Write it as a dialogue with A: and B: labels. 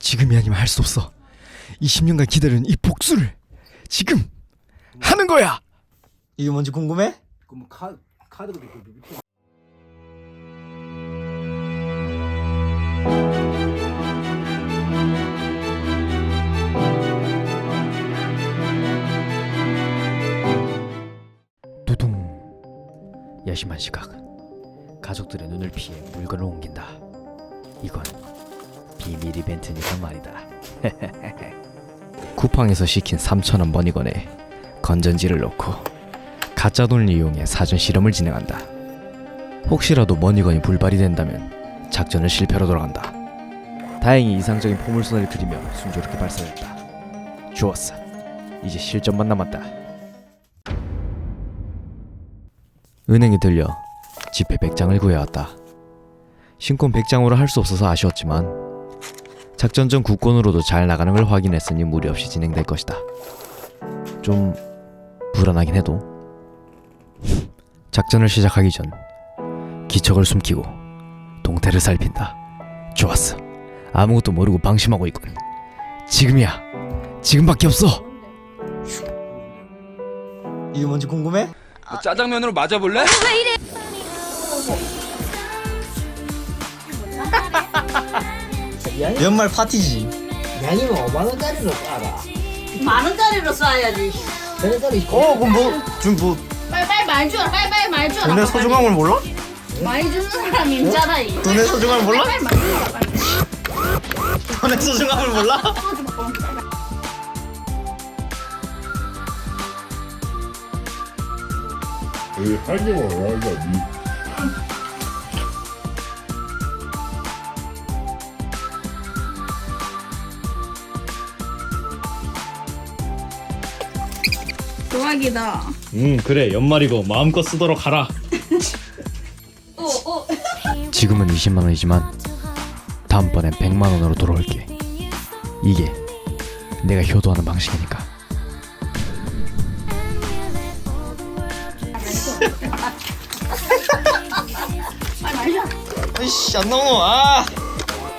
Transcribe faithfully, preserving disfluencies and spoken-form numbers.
A: 지금이 아니면 할 수 없어. 이십 년간 기다린 이 복수를 지금 하는 거야.
B: 이게 뭔지 궁금해?
C: 그럼 카 카드가 있고 밑에
A: 두둥. 야심한 시각. 가족들의 눈을 피해 물건을 옮긴다. 이건 비밀 이벤트니까 말이다. 쿠팡에서 시킨 삼천 원 머니건에 건전지를 넣고 가짜 돈을 이용해 사전 실험을 진행한다. 혹시라도 머니건이 불발이 된다면 작전은 실패로 돌아간다. 다행히 이상적인 포물선을 그리며 순조롭게 발사됐다. 좋았어. 이제 실전만 남았다. 은행에 들려 지폐 백 장을 구해왔다. 신권 백 장으로 할 수 없어서 아쉬웠지만 작전 전 국권으로도 잘 나가는 걸 확인했으니 무리 없이 진행될 것이다. 좀 불안하긴 해도 작전을 시작하기 전 기척을 숨기고 동태를 살핀다. 좋았어. 아무것도 모르고 방심하고 있군. 지금이야. 지금밖에 없어.
B: 이게 뭔지 궁금해?
D: 뭐 짜장면으로 맞아볼래?
B: 연말 파티지.
C: 양이면 오만 원짜리로 싸라.
E: 만 원짜리로 쏴야지.
C: 저래저래
B: 어 그럼 뭐 지금 뭐
E: 빨리빨리 말 줘라. 빨리빨리 말 줘라.
B: 돈의 소중함을 몰라?
E: 많이 주는 사람이 있잖아. 이.
B: 돈의 소중함을 몰라?
E: 빨리 말 줘라. 빨리.
B: 돈의 소중함을 몰라?
F: 왜 하지 말아야지.
E: 대박이다.
B: 음 그래 연말이고 마음껏 쓰도록 하라.
E: 오, 오.
A: 지금은 이십만 원이지만 다음번엔 백만 원으로 돌아올게. 이게 내가 효도하는 방식이니까.
E: 빨리 말 줘.
B: 아이씨 안 나오노. 아